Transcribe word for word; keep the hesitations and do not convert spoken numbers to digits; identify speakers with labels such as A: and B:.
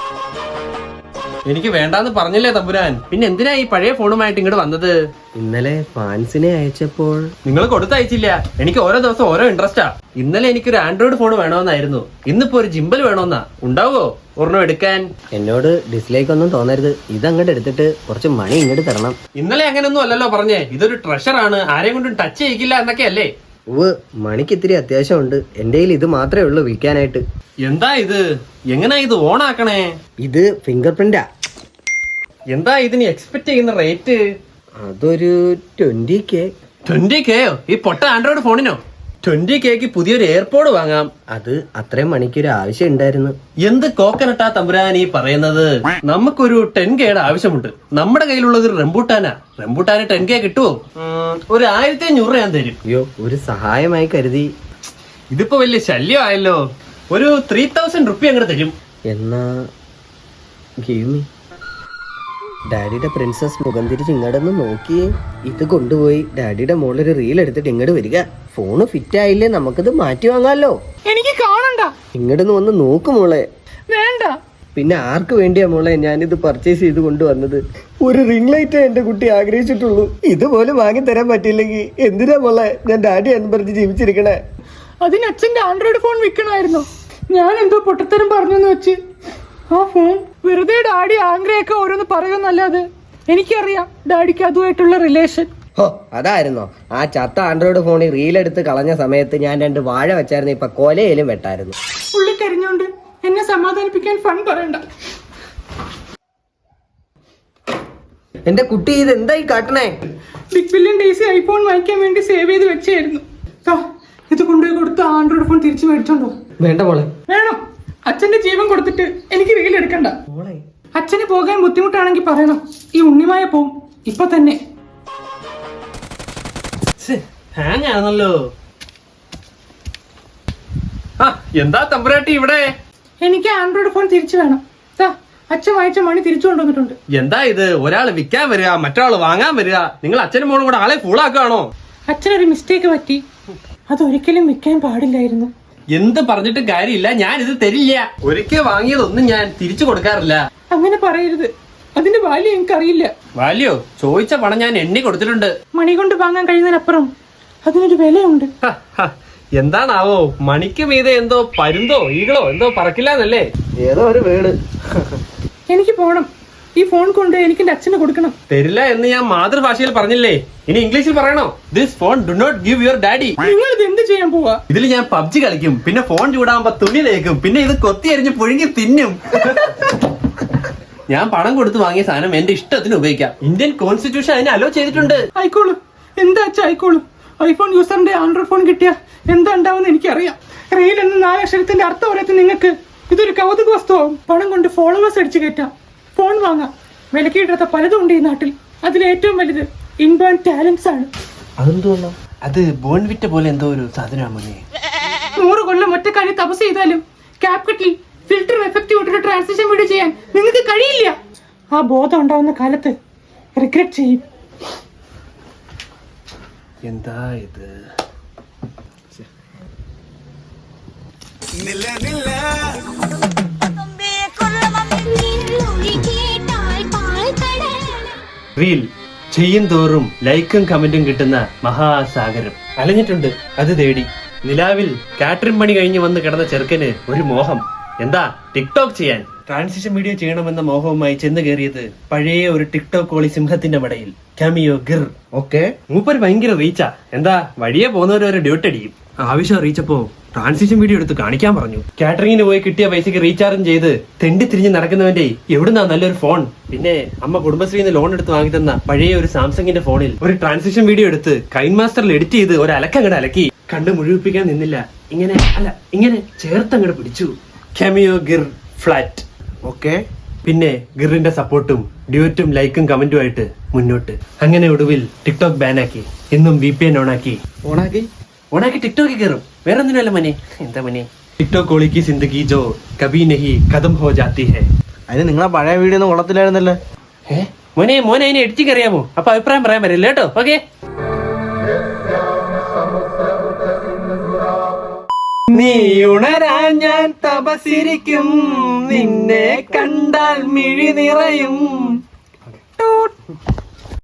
A: എനിക്ക് വേണ്ടാന്ന് പറഞ്ഞില്ലേ തമ്പുരാൻ, പിന്നെ എന്തിനാ ഈ പഴയ ഫോണുമായിട്ട് ഇങ്ങോട്ട് വന്നത്?
B: ഇന്നലെ ഫാൻസിനെ അയച്ചപ്പോൾ
A: നിങ്ങൾ കൊടുത്തയച്ചില്ല. എനിക്ക് ഓരോ ദിവസം ഓരോ ഇൻട്രസ്റ്റാ. ഇന്നലെ എനിക്കൊരു ആൻഡ്രോയിഡ് ഫോൺ വേണമെന്നായിരുന്നു, ഇന്നിപ്പോ ഒരു ജിംബൽ വേണമെന്നാ. ഉണ്ടാവോ ഒരെണ്ണം എടുക്കാൻ?
B: എന്നോട് ഡിസ്ലൈക്ക് ഒന്നും തോന്നരുത്. ഇതങ്ങോട്ട് എടുത്തിട്ട് കുറച്ച് മണി ഇങ്ങോട്ട് തരണം.
A: ഇന്നലെ അങ്ങനെയൊന്നും അല്ലല്ലോ പറഞ്ഞേ, ഇതൊരു ട്രഷറാണ്, ആരെയും കൊണ്ടും ടച്ച് ചെയ്യിക്കില്ല എന്നൊക്കെ അല്ലേ?
B: ഉവ്, മണിക്ക് ഇത്തിരി അത്യാവശ്യമുണ്ട്. എന്റെ കയ്യിൽ ഇത് മാത്രമേ ഉള്ളൂ വിൽക്കാനായിട്ട്.
A: എന്താ ഇത്? എങ്ങനാ ഇത് ഓൺ ആക്കണേ?
B: ഇത് ഫിംഗർ പ്രിന്റാ.
A: എന്താ ഇതിന് എക്സ്പെക്ട് ചെയ്യുന്ന റേറ്റ്?
B: അതൊരു ട്വന്റി കെ.
A: ട്വന്റി കെയോ? ഈ പൊട്ട ആൻഡ്രോയിഡ് ഫോണിനോ? ട്വന്റി കെക്ക് പുതിയൊരു എയർപോഡ് വാങ്ങാം.
B: അത് അത്രയും മണിക്കൊരു ആവശ്യം ഉണ്ടായിരുന്നു.
A: എന്ത് കോക്കനട്ടാ തമ്പുരാൻ ഈ പറയുന്നത്? നമുക്കൊരു ടെൻ കെയുടെ ആവശ്യമുണ്ട്. നമ്മുടെ കയ്യിലുള്ളത് ഒരു റംബൂട്ടാനാ. റംബൂട്ടാന് ടെൻ കെ കിട്ടുമോ? ഒരു ആയിരത്തി അഞ്ഞൂറ് ഞാൻ തരും.
B: അയ്യോ, ഒരു സഹായമായി കരുതി.
A: ഇതിപ്പോ വലിയ ശല്യമായല്ലോ. ഒരു ത്രീ തൗസൻഡ് റുപ്യ അങ്ങോട്ട് തരും.
B: എന്നാ ഗീവ് മീ. ഡാഡിയുടെ പ്രിൻസസ് മുഖം തിരിച്ച് ഇങ്ങോട്ടൊന്ന് നോക്കിയേ. ഇത് കൊണ്ടുപോയി ഡാഡിയുടെ മോളൊരു റീൽ എടുത്തിട്ട് ഇങ്ങോട്ട് വരിക. ഫോണ് ഫിറ്റ് ആയില്ലേ, നമുക്കിത് മാറ്റി വാങ്ങാലോ.
C: എനിക്ക് കാണണ്ട.
B: ഇങ്ങോട്ടൊന്ന് വന്ന് നോക്ക് മോളെ.
C: വേണ്ട.
B: പിന്നെ ആർക്ക് വേണ്ടിയാ മോളെ ഞാനിത് പർച്ചേസ് ചെയ്ത് കൊണ്ടുവന്നത്? ഒരു റിംഗ് ലൈറ്റേ എന്റെ കുട്ടി ആഗ്രഹിച്ചിട്ടുള്ളൂ. ഇതുപോലെ വാങ്ങി തരാൻ പറ്റിയില്ലെങ്കിൽ എന്തിനാ മോളെ ഞാൻ ഡാഡി എന്ന് പറഞ്ഞ് ജീവിച്ചിരിക്കണേ?
C: അതിന് അച്ഛന്റെ ആൻഡ്രോയിഡ് ഫോൺ വിൽക്കണമായിരുന്നു. ഞാൻ എന്തോ പൊട്ടത്തരം പറഞ്ഞെന്ന് വെച്ച് ആ ഫോൺ വെറുതെ ഡാഡി ആഗ്രഹമൊക്കെ ഓരോന്ന് പറയുമെന്നല്ലാതെ എനിക്കറിയാം ഡാഡിക്ക് അതുമായിട്ടുള്ള റിലേഷൻ.
B: ഹോ, അതായിരുന്നോ? ആ ചത്ത ആൻഡ്രോയിഡ് ഫോണിൽ റീലെടുത്ത് കളഞ്ഞ സമയത്ത് ഞാൻ രണ്ട് വാഴ വെച്ചായിരുന്നു. ഇപ്പൊ കൊലയിലും വെട്ടായിരുന്നു.
C: ഉള്ളി കരിഞ്ഞോണ്ട് എന്നെ സമാധാനിപ്പിക്കാൻ ഫൺ പറയണ്ട.
B: എന്റെ കുട്ടി ഇത് എന്തായി കാട്ടണേ?
C: ബിഗ് ബില്യൺ ഡേയ്സ് ഐഫോൺ വാങ്ങിക്കാൻ വേണ്ടി സേവ് ചെയ്ത് വെച്ചായിരുന്നു. ഇത് കൊണ്ടുപോയി കൊടുത്ത് ആൻഡ്രോയിഡ് ഫോൺ തിരിച്ചു മേടിച്ചോണ്ടോ?
B: വേണ്ട മോളെ.
C: വേണം. അച്ഛന്റെ ജീവൻ കൊടുത്തിട്ട് എനിക്ക് റീൽ എടുക്കണ്ട. അച്ഛന് പോകാൻ ബുദ്ധിമുട്ടാണെങ്കിൽ പറയണം. ഈ ഉണ്ണിമായ പോവും ഇപ്പൊ തന്നെ.
A: ഹാങ് ആണല്ലോ. ആ, എന്താ തമ്പുരാട്ടി ഇവിടെ?
C: എനിക്ക് ആൻഡ്രോയിഡ് ഫോൺ തിരിച്ചു വേണം. അച്ഛൻ വായിച്ച മണി തിരിച്ചു കൊണ്ടുവന്നിട്ടുണ്ട്.
A: എന്താ ഇത്? ഒരാള് വിൽക്കാൻ വരിക, മറ്റൊരാള് വാങ്ങാൻ വരിക. നിങ്ങൾ അച്ഛനും മോളും കൂടെ ആളെ ഫൂളാക്കുകയാണോ?
C: അച്ഛനൊരു മിസ്റ്റേക്ക് പറ്റി. അതൊരിക്കലും വിൽക്കാൻ പാടില്ലായിരുന്നു.
A: എന്ത് പറഞ്ഞിട്ടും കാര്യമില്ല, ഞാൻ ഇത് തരില്ല. ഒരിക്കൽ വാങ്ങിയതൊന്നും ഞാൻ തിരിച്ചു കൊടുക്കാറില്ല.
C: അങ്ങനെ പറയരുത്. അതിന്റെ വാല്യൂ എനിക്കറിയില്ല.
A: വാല്യോ? ചോദിച്ച പണം ഞാൻ എണ്ണി കൊടുത്തിട്ടുണ്ട്.
C: മണി കൊണ്ട് വാങ്ങാൻ കഴിയുന്നതിനപ്പുറം അതിനൊരു വിലയുണ്ട്.
A: എന്താണാവോ? മണിക്ക് മീതെ എന്തോ പരുന്തോ ഈകളോ എന്തോ പറക്കില്ലാന്നല്ലേ?
B: ഏതോ ഒരു വീട്.
C: എനിക്ക് പോണം. ഈ ഫോൺ കൊണ്ട് എനിക്ക് എന്റെ അച്ഛന് കൊടുക്കണം.
A: തരില്ല എന്ന് ഞാൻ മാതൃഭാഷയിൽ പറഞ്ഞില്ലേ, ഇനി ഇംഗ്ലീഷിൽ പറയണോ? This phone do not give your daddy.
C: നിങ്ങൾ ഇത് എന്ത് ചെയ്യാൻ പോവാ?
A: ഇതിൽ ഞാൻ പബ്ജി കളിക്കും, പിന്നെ ഫോൺ ചൂടാകുമ്പോ തുണി തേക്കും, പിന്നെ ഇത് കൊത്തി അരിഞ്ഞ് പുഴുങ്ങി തിന്നും. ഞാൻ പണം കൊടുത്ത് വാങ്ങിയ സാധനം എന്റെ ഇഷ്ടത്തിന് ഉപയോഗിക്കാം. ഇന്ത്യൻ കോൺസ്റ്റിറ്റ്യൂഷൻ അതിനെ അലോ ചെയ്തിട്ടുണ്ട്.
C: ആയിക്കോളൂ. എന്താ അച്ഛാ ആയിക്കോളൂ. ഐഫോൺ യൂസറിന്റെ ആൻഡ്രോയിഡ് ഫോൺ കിട്ടിയ എന്താ ഉണ്ടാവുന്ന എനിക്കറിയാം. റീൽ എന്ന നാലക്ഷരത്തിന്റെ അർത്ഥം അറിയാത്ത നിങ്ങൾക്ക് ഇതൊരു കൗതുക വസ്തുവാകും. പണം കൊണ്ട് ഫോളോവേഴ്സ് അടിച്ചു കയറ്റാം, ഫോൺ വാങ്ങാം. വിലക്കിയിടാത്ത പലതും ഉണ്ട് ഈ നാട്ടിൽ. അതിൽ ഏറ്റവും വലുത് ഇൻബേൺ ടാലൻസ് ആണ്.
A: അതെന്തോന്നോ? അത് ബോൺവിറ്റ പോലെ എന്തോ ഒരു സാധനമാണ്.
C: നൂറ് കൊല്ലം ഒറ്റക്കാലി തപസ് ചെയ്താലും ക്യാപിറ്റൽ ഫിൽറ്റർ എഫക്റ്റ് കൊണ്ടൊരു ട്രാൻസിഷൻ വീഡിയോ ചെയ്യാൻ നിങ്ങൾക്ക് കഴിയില്ല. ആ ബോധം ഉണ്ടാവുന്ന കാലത്ത് റിഗ്രറ്റ് ചെയ്യും.
A: എന്താ ഇത്? റീൽ ചെയ്യും തോറും ലൈക്കും കമന്റും കിട്ടുന്ന മഹാസാഗരം. അലഞ്ഞിട്ടുണ്ട് അത് തേടി. നിലാവിൽ കാറ്ററിംഗ് പണി കഴിഞ്ഞ് വന്ന് കിടന്ന ചെറുക്കന് ഒരു മോഹം. എന്താ? ടിക്ടോക്ക് ചെയ്യാൻ. ട്രാൻസിഷൻ വീഡിയോ ചെയ്യണമെന്ന മോഹവുമായി ചെന്ന് കയറിയത് പഴയ ഒരു ടിക്ടോക്ക് കോളി സിംഹത്തിന്റെ മടയിൽ. കാമിയോ ഗിർ. ഓക്കെ, മൂപ്പര് ഭയങ്കര റീച്ചാ. എന്താ? വഴിയെ പോകുന്നവര് ഒരു ഡ്യൂട്ട് അടിക്കും. ആവശ്യം അറിയിച്ചപ്പോ ട്രാൻസിഷൻ വീഡിയോ എടുത്ത് കാണിക്കാൻ പറഞ്ഞു. കാറ്ററിംഗിന് പോയി കിട്ടിയ പൈസക്ക് റീചാർജും ചെയ്ത് തെണ്ടി തിരിഞ്ഞ് നടക്കുന്നവന്റെ എവിടുന്നാ നല്ലൊരു ഫോൺ? പിന്നെ അമ്മ കുടുംബശ്രീന്ന് ലോൺ എടുത്ത് വാങ്ങി തന്ന പഴയ ഒരു സാംസങ്ങിന്റെ ഫോണിൽ ഒരു ട്രാൻസിഷൻ വീഡിയോ എടുത്ത് കൈൻ മാസ്റ്ററിൽ എഡിറ്റ് ചെയ്ത് ഒരു അലക്കങ്ങട് അലക്കി. കണ്ട് മുഴുവിപ്പിക്കാൻ നിന്നില്ല, ഇങ്ങനെ അല്ല ഇങ്ങനെ ചേർത്തങ്ങട് പിടിച്ചു. Cameo Gir flat. ഓക്കെ, പിന്നെ ഗിറിന്റെ സപ്പോർട്ടും ഡ്യൂറ്റും ലൈക്കും കമന്റുമായിട്ട് മുന്നോട്ട്. അങ്ങനെ ഒടുവിൽ ടിക്ടോക്ക് ബാനാക്കി. എന്നും വി പി എൻ ഓണാക്കി ഓണാക്കി ഓണാക്കി ടിക്ടോക്കിൽ കയറും. വേറെ ഒന്നിനല്ല മനെ. എന്താ മനെ? ടിക്ടോക്ക് കോളിക്ക് സിന്ദഗി ജോ കബി നഹി ഖതം ഹോ ജാത്തി ഹൈ.
B: അതിന് നിങ്ങളെ പഴയ വീഡിയോ ഒന്നും കൊള്ളത്തില്ലായിരുന്നല്ലോ.
A: ഏ മോനെ മോനെ അതിനെ എഡിറ്റിംഗ് അറിയാമോ? അപ്പൊ അഭിപ്രായം പറയാൻ പറ്റില്ല കേട്ടോ. ഓക്കെ, നീ നീ ഉണരാൻ ഞാൻ തപസിരിക്കും, നിന്നെ കണ്ടാൽ മിഴി നിറയും.